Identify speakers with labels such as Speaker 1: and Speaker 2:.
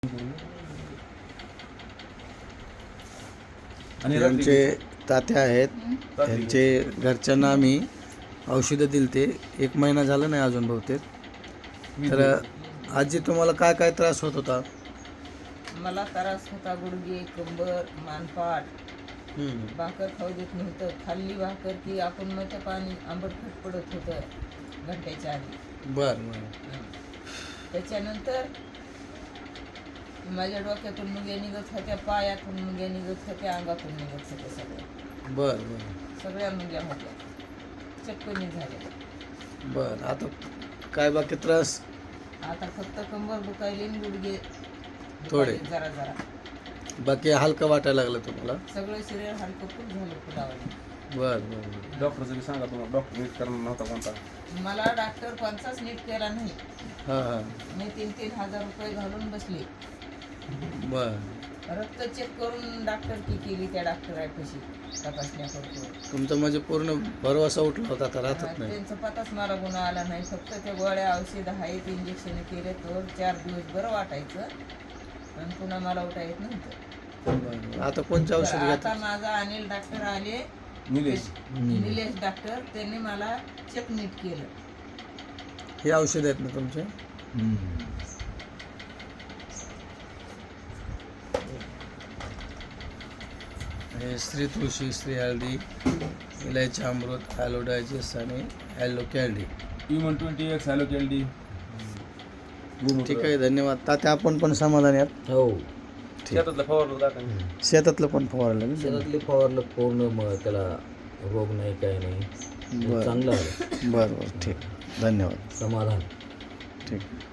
Speaker 1: आणि
Speaker 2: त्यांचे तात्या आहेत, त्यांचे घरच्यांना आम्ही औषधं दिली ते 1 महिना झाला नाही अजून बहुतेक. तर आजी तुम्हाला काय काय त्रास होत होता?
Speaker 3: मला त्रास होता गुडघे, कंबर, मानपाट. भाकर खाऊ देत नव्हतं. खाल्ली भाकर की आपण मग पाणी आंबटखट पडत होतं घंट्याच्या आधी.
Speaker 2: बरं.
Speaker 3: त्याच्यानंतर माझ्या डोक्यातून मुंग्या निघत होत्या, पायातून मुंग्या निघत होत्या, अंगातून निघत होत्या सगळ्या.
Speaker 2: बरं.
Speaker 3: सगळ्या मुंग्या होत्या, चक्कनी झाल्या.
Speaker 2: बरं, आता काय बाकी त्रास?
Speaker 3: आता फक्त कंबर दुखायली आणि गुडघे
Speaker 2: थोडे
Speaker 3: जरा जरा.
Speaker 2: बाकी हलकं वाटायला लागलं तुम्हाला?
Speaker 3: सगळं शरीर हलकं खूप झालं फुलावलं.
Speaker 2: बरं.
Speaker 1: डॉक्टरचं बी सांगा तुम्हाला, डॉक्टर नीट करणार नव्हता कोणता?
Speaker 3: मला डॉक्टर कोणताच नीट केला नाही.
Speaker 2: हां.
Speaker 3: मी 3-3 हजार रुपये घालून बसले.
Speaker 2: बरं.
Speaker 3: रक्त चेक करून डॉक्टर की केली त्या डॉक्टरापाशी तपासण्या करतो.
Speaker 2: तुमचा म्हणजे पूर्ण भरवसा उठला होता, आता राहतच नाही.
Speaker 3: त्यांचा पताच मला गुन्हा आला नाही. फक्त त्या गोळ्या औषधं आहेत, इंजेक्शन केले तर 4 दिवस बरं वाटायचं आणि पुन्हा मला उठा येत नव्हतं.
Speaker 2: बरं. आता कोणते औषध
Speaker 3: आता
Speaker 2: घेतात?
Speaker 3: माझा अनिल डॉक्टर आले, निलेश डॉक्टर, त्यांनी मला चेक नीट केलं.
Speaker 2: हे औषध आहेत ना तुमचे? हे श्री तुळशी, श्री हळदी, इलायची अमृत, ॲलो डायजेस्ट आणि ॲलो कॅल्डी.
Speaker 1: Human 20X हॅलो केल्डी.
Speaker 2: ठीक आहे, धन्यवाद तात्या. आपण पण समाधानी आहात?
Speaker 4: हो.
Speaker 1: शेतातलं फवारलं दाखवा.
Speaker 2: शेतातलं पण फवारलं ना?
Speaker 4: शेतातले फवारलं पूर्ण, मग त्याला रोग नाही, काही नाही,
Speaker 2: बरं.
Speaker 4: चांगलं आलं.
Speaker 2: बरं. ठीक, धन्यवाद.
Speaker 4: समाधान.
Speaker 2: ठीक.